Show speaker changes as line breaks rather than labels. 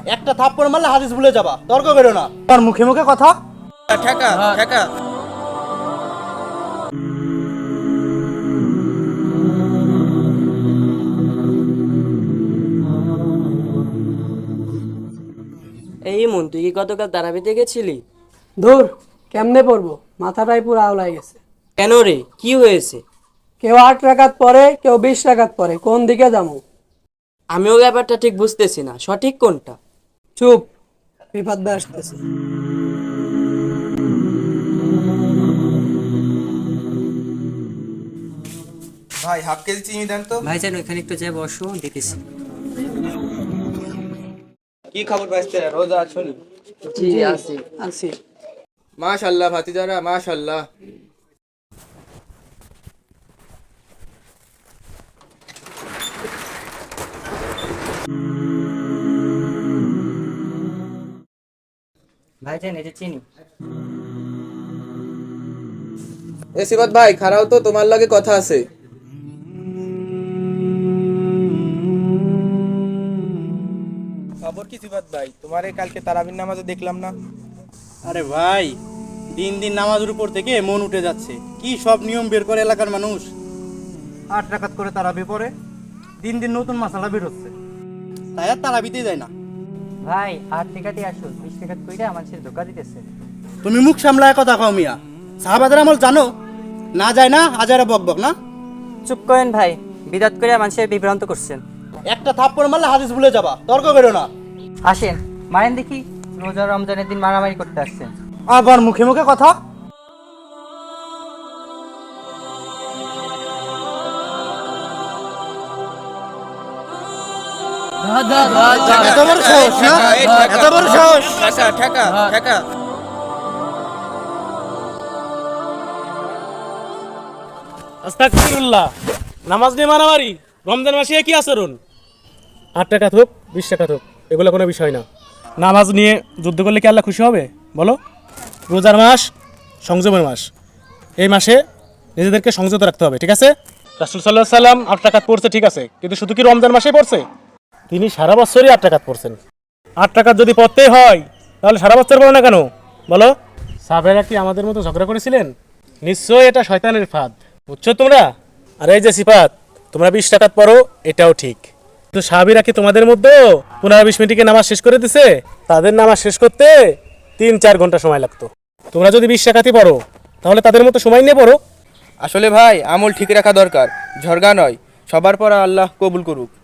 একটা থাপ্পড় মারলে হাদিস ভুলে যাবা, তর্ক করো না। আর মুখে মুখে কথা।
ঠেকা ঠেকা।
এই মন, তুই কি গতকাল তারাবিতে গেছিলি?
ধুর, কেমনে পড়বো, মাথাটাই পুরো আওলাই গেছে।
কেন রে, কি হয়েছে?
কেউ 8 রাকাত পরে, কেউ 20 রাকাত পরে, কোন দিকে যাবো?
আমিও ব্যাপারটা ঠিক বুঝতেছি না, সঠিক কোনটা?
চুপ, বিপদ ভাই আসতেছে।
ভাই হাফ কেজি চিনি দেন তো।
ভাইজান ওইখানে একটু যাই বসো, দিতেছি।
কি খবর ভাইস্তেরা, রোজা আছো নি?
জি আছি।
আছি।
মাশাআল্লাহ ভাতিজারা, মাশাআল্লাহ।
ভাইজান এই যে চিনি।
এ সিবাত ভাই খারাও তো, তোমার লাগে কথা আছে। খবর কি সিবাত ভাই, তোমারে কালকে তারাবির নামাজে দেখলাম না?
আরে ভাই, দিন দিন নামাজের উপর থেকে মন উঠে যাচ্ছে। কি সব নিয়ম বের করে এলাকার মানুষ। 8 রাকাত করে তারাবি পড়ে, দিন দিন নতুন মাসালা বের হচ্ছে, তাই আর তারাবিতে যায় না।
ভাই 8 টাকাতে আসো, 20 টাকা কইরা আমার ছেলে ধোকা দিতেছে।
তুমি মুখ সামলায় কথা কও মিয়া। সাহাবাদের আমল জানো না? যায় না হাজারে বকবক না।
চুপ করেন ভাই, বিদাত করে মানুষের বিভ্রান্ত করছেন।
একটা থাপ্পড় মারলে হাদিস ভুলে যাবা, তর্ক করো না।
আসেন মারেন দেখি, রোজা রমজানের দিন মারামারি করতে আসছেন।
আবার মুখে মুখে কথা। এত বড় সাহস না? এত বড় সাহস?
ঠেকা ঠেকা ঠেকা।
আস্তাগফিরুল্লাহ, নামাজ নিয়ে মারামারি, রমজান মাসে কি আচরণ? 8 টাকা হোক 20 টাকা হোক, এগুলো কোনো বিষয় না। নামাজ নিয়ে যুদ্ধ করলে কি আল্লাহ খুশি হবে বলো? রোজার মাস, সংযমের মাস, এই মাসে নিজেদেরকে সংযত রাখতে হবে, ঠিক আছে? রাসূল সাল্লাল্লাহু আলাইহি সাল্লাম 8 টাকা পড়ছে, ঠিক আছে, কিন্তু শুধু কি রমজান মাসেই পড়ছে? তিনি সারা বছরই 8 টাকা পড়ছেন। 8 টাকা যদি পড়তেই হয় তাহলে সারা বছর পড়ো না কেন বলো? সাহাবারা কি আমাদের মতো ঝগড়া করেছিলেন? নিশ্চয়ই এটা শয়তানের ফাঁদ, বুঝছো তোমরা? আর এই যে সিফাত, তোমরা 20 টাকা পড়ো, এটাও ঠিক, কিন্তু সাহাবীরা কি তোমাদের মধ্যে 15-20 মিনিটে নামাজ শেষ করে দিছে? তাদের নামাজ শেষ করতে 3-4 ঘন্টা সময় লাগতো। তোমরা যদি 20 টাকাতে পড়ো তাহলে তাদের মতো সময় নিয়ে পড়ো।
আসলে ভাই আমল ঠিক রাখা দরকার, ঝরগা নয়। সবার পর আল্লাহ কবুল করুক।